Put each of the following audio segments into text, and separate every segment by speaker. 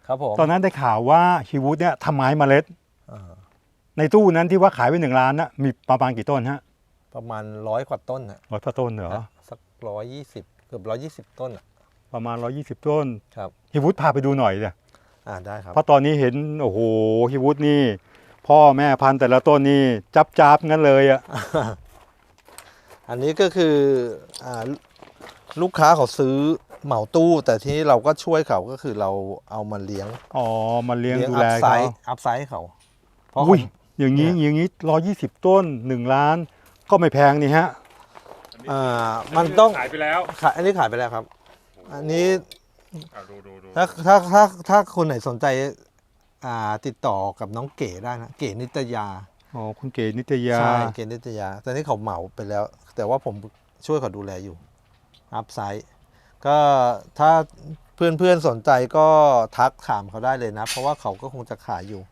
Speaker 1: ครับผม
Speaker 2: ตอนนั้นได้ข่าวว่าฮีวูดเนี่ยทำไม้เมล็ดในตู้นั้นที่ว่าขายไป1 ล้านนะมีประมาณกี่ต้นฮะ
Speaker 1: ประมาณ100 กว่าต้นนะ
Speaker 2: 100 ต้นเหรอ
Speaker 1: สัก120 เกือบ120 ต้นอะ
Speaker 2: ประมาณ120 ต้น
Speaker 1: ครับ
Speaker 2: ฮีวูดพาไปดูหน่อยเลย
Speaker 1: ได้ครับ
Speaker 2: เพราะตอนนี้เห็นโอ้โหฮีวูดนี่พ่อแม่พันธุ์แต่ละต้นนี่จับงั้นเลยอ่ะ
Speaker 1: อันนี้ก็คือลูกค้าเขาซื้อเหมาตู้แต่ที่เราก็ช่วยเขาก็คือเราเอามาเลี้ยง
Speaker 2: อ๋อมาเลี้ยงดูแล
Speaker 1: เขา
Speaker 2: เขา
Speaker 1: อัพไซส์เขาเพราะ
Speaker 2: อุ้ยอย่างนี้120 ต้น1 ล้านก็ไม่แพงนี่ฮะ
Speaker 1: มันต้อง
Speaker 3: ขายไปแล้ว
Speaker 1: อันนี้ขายไปแล้วครับอันนี้
Speaker 3: ดู
Speaker 1: ถ้าคนไหนสนใจติดต่อกับน้องเก๋ได้นะเก๋นิตยา
Speaker 2: อ๋อคุณเก๋นิตยา
Speaker 1: ใช่เก๋นิตยาแต่นี่เขาเหมาไปแล้ว แต่ว่าผมช่วยเขาดูแลอยู่อัพไซส์ก็ถ้าเพื่อนสนใจก็ทักถามเขาได้เลยนะเพราะว่าเขาก็คงจะขายอยู่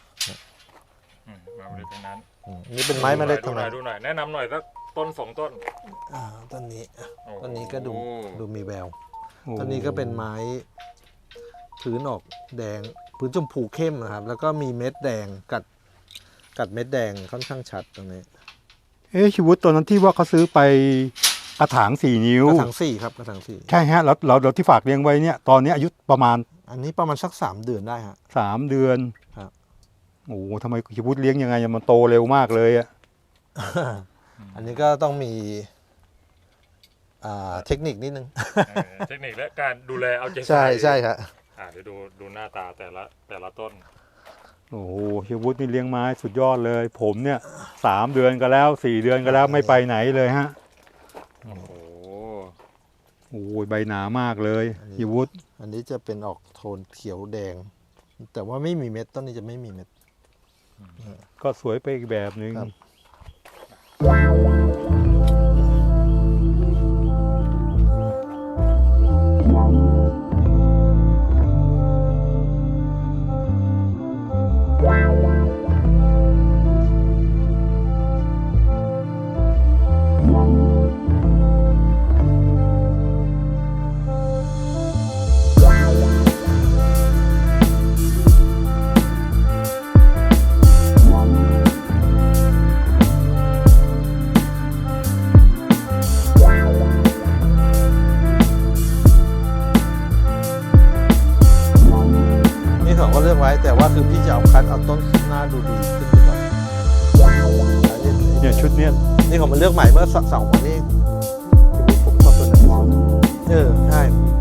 Speaker 3: มาเลยตรงนั้น
Speaker 1: นี่เป็นไม้เมล็ดทั้งนั้น
Speaker 3: ดูหน่อยแนะนำหน่อยสักต้น2 ต้น
Speaker 1: ต้นนี้ก็ดูมีแววต้นนี้ก็เป็นไม้พื้นออกแดงพื้นชมพูเข้มนะครับแล้วก็มีเม็ดแดงกัดเม็ดแดงค่อนข้างชัดตรงนี้
Speaker 2: ชีวุฒตอนนั้นที่ว่าเขาซื้อไปกระถาง4 นิ้ว
Speaker 1: กระถาง4ครับกระถาง4
Speaker 2: ใช่ฮะแล้วเราที่ฝากเลี้ยงไว้เนี่ยตอนนี้อายุประมาณ
Speaker 1: อันนี้ประมาณสัก3 เดือนได้ฮะ
Speaker 2: 3 เดือน
Speaker 1: ครับ
Speaker 2: โอ้ทำไมชีวุฒเลี้ยงยังไงมันโตเร็วมากเลยอ่ะ
Speaker 1: อันนี้ก็ต้องมีเทคนิคนิดนึง
Speaker 3: เทคนิคและการดูแลเอาใจ
Speaker 1: ใช่ใช่ครับ
Speaker 3: เดี๋ยวดูหน้าตาแต่ละต้น
Speaker 2: โอ้โหชีวุฒนี่เลี้ยงไม้สุดยอดเลยผมเนี่ย3 เดือนก็แล้ว4 เดือนก็แล้วไม่ไปไหนเลยฮะ
Speaker 3: โอ้โห
Speaker 2: ใบหนามากเลยชีวุฒ
Speaker 1: อันนี้จะเป็นออกโทนเขียวแดงแต่ว่าไม่มีเม็ดต้นนี้จะไม่มีเม็ด
Speaker 2: ก็สวยไปอีกแบบนึง
Speaker 1: ก็เลือกไว้แต่ว่าคือพี่จะเอาคัดเอาต้นหน้าดูดีขึ้นไปก่อน
Speaker 2: เนี่ยชุดเนี้ย
Speaker 1: นี่เขามาเลือกใหม่เมื่อ2 วันนี้ผมชอบตัวนั้นใช่